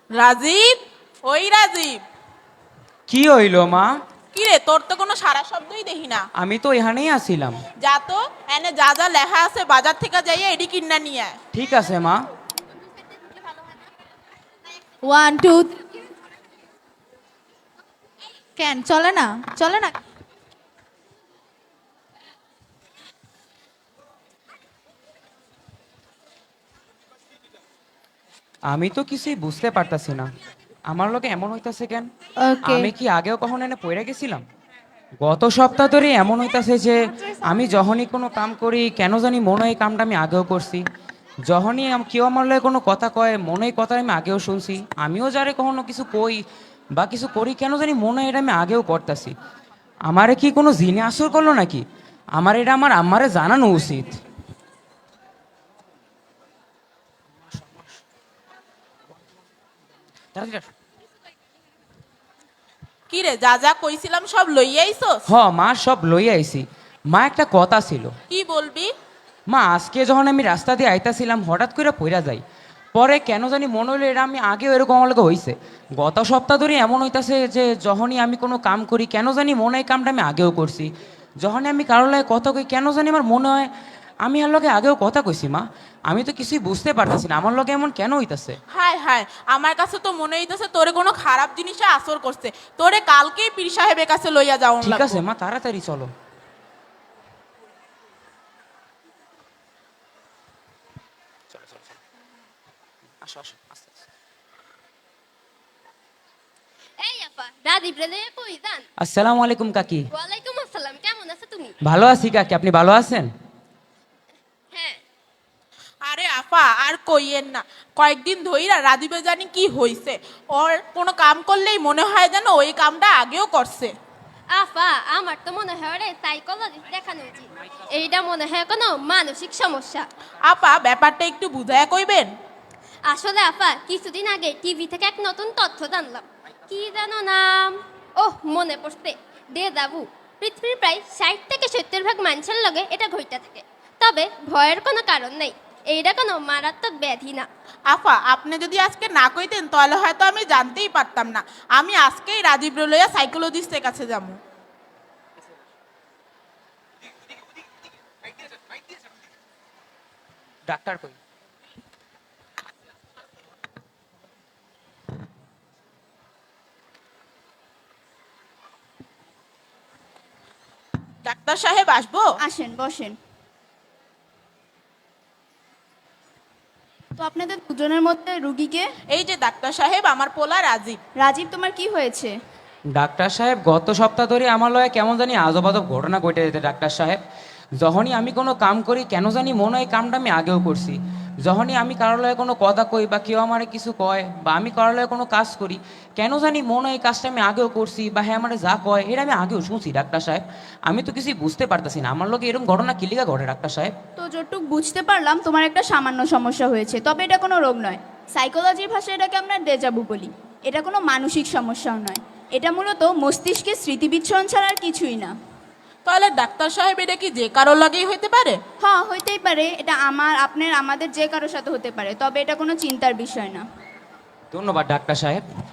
রাজীব, ওই রাজীব। কি হইল মা? কি রে, তোর তো কোনো সারা শব্দই দেখি না। আমি তো এখানেই আছিলাম। যা তো, এনে যা যা লেখা আছে বাজার থেকে যাইয়া এডি কিনা নিয়ে আয়। ঠিক আছে মা। One two. কেন চলে না? চলে না? আমি তো কিছুই বুঝতে পারতাছি না, আমার লোকে এমন হইতাছে কেন? ওকে। আমি কি আগেও কখনো এনে পড়ে গেছিলাম? গত সপ্তাহ ধরে এমন হইতাছে যে আমি যখনই কোনো কাম করি কেন জানি মনে হয় এই কামটা আমি আগেও করছি। যখনই কেউ আমার লগে কোনো কথা কয় মনে হয় কথা আমি আগেও শুনছি। আমিও যারে কখনো কিছু কই বা কিছু করি কেন জানি মনে হয় এটা আমি আগেও করতাছি। আমারে কি কোনো জিনে আসর করলো নাকি? আমার এটা আমার আম্মারে জানানো উচিত। কি রে, যা যা কইছিলাম সব লইয়া আইছস? হ মা, সব লই আইছি। মা, একটা কথা ছিল। কি বলবি? মা, আজকে যখন আমি রাস্তা দিয়ে আইতাছিলাম হঠাৎ করে পইরা যাই। পরে কেন জানি মনে হইলো এটা আমি আগেও এরকম আমার লগে হইছে। গত সপ্তাহ ধরে এমন হইতাছে যে যখনই আমি কোনো কাম করি কেন জানি মনে হয় কামটা আমি আগেও করছি। যখনই আমি কারোর লাগে কথা কই কেন জানি আমার মনে হয় আমি আর লগে আগেও কথা কইছি। মা, আমি তো কিছুই বুঝতে পারতেছি না আমার লগে এমন কেন হইতাছে। হায় হায়, আমার কাছে তো মনে হইতেছে তোরে কোনো খারাপ জিনিসে আসর করছে। তোরে কালকেই পীর সাহেবের কাছে লইয়া যাও। ঠিক আছে মা, তাড়াতাড়ি চলো। আসো আসো, আস্তে আস্তে। এই আপা, রাজীব রে কই যান? আসসালামু আলাইকুম কাকি। ওয়ালাইকুম আসসালাম, কেমন আছো তুমি? ভালো আছি কাকি, আপনি ভালো আছেন? হ্যাঁ। আরে আফা, আর কইয়েন না। কয়েকদিন ধইরা রাজীবে জানি কি হইছে। ওর কোনো কাম করলেই মনে হয় যেন ওই কামটা আগেও করছে। আপা, আমার তো মনে হয় রে সাইকোলজিস্ট দেখানো উচিত। এইটা মনে হয় কোনো মানসিক সমস্যা। আপা, ব্যাপারটা একটু বুঝায়া কইবেন? আসলে আপা, কিছুদিন আগে টিভি থেকে এক নতুন তথ্য জানলাম। কি জানো নাম? ওহ, মনে পড়ছে। ডেজাভু। পৃথিবীর প্রায় 60 থেকে 70 ভাগ মানুষের লগে এটা ঘইটা থাকে। তবে ভয়ের কোনো কারণ নেই। এইটা কোনো মারাত্মক ব্যাধি না। আফা, আপনি যদি আজকে না কইতেন তাহলে হয়তো আমি জানতেই পারতাম না। আমি আজকেই রাজীব রে লইয়া সাইকোলজিস্টের কাছে যাবো। ডাক্তার কই? ডাক্তার সাহেব, আসবো? আসেন, বসেন। তো আপনাদের দুজনের মধ্যে রুগীকে? এই যে ডাক্তার সাহেব, আমার পোলা রাজীব। রাজীব, তোমার কি হয়েছে? ডাক্তার সাহেব, গত সপ্তাহ ধরে আমার লগে কেমন জানি আজব আজব ঘটনা ঘটে যেতে ডাক্তার সাহেব। যখনই আমি কোনো কাম করি কেন জানি মনে হয় কামটা আমি আগেও করছি। যখনই আমি কারোর লগে কোনো কথা কই বা কেউ আমারে কিছু কয় বা আমি কারোর লগে কোনো কাজ করি কেন জানি মনে হয় এই কাজটা আমি আগেও করছি বা হ্যাঁ আমারে যা কয় এটা আমি আগেও শুনছি ডাক্তার সাহেব। আমি তো কিছুই বুঝতে পারতেছি না আমার লগে এরকম ঘটনা কিলিকা ঘটে ডাক্তার সাহেব। তো যতটুকু বুঝতে পারলাম তোমার একটা সামান্য সমস্যা হয়েছে, তবে এটা কোনো রোগ নয়। সাইকোলজির ভাষায় এটাকে আমরা ডেজাভু বলি। এটা কোনো মানসিক সমস্যাও নয়। এটা মূলত মস্তিষ্কের স্মৃতিবিচ্ছরণ ছাড়া আর কিছুই না। তাহলে ডাক্তার সাহেব, এটা কি যে কারোর লাগেই হইতে পারে? হ্যাঁ, হইতেই পারে। এটা আমার, আপনার, আমাদের যে কারোর সাথে হতে পারে, তবে এটা কোনো চিন্তার বিষয় না। ধন্যবাদ ডাক্তার সাহেব।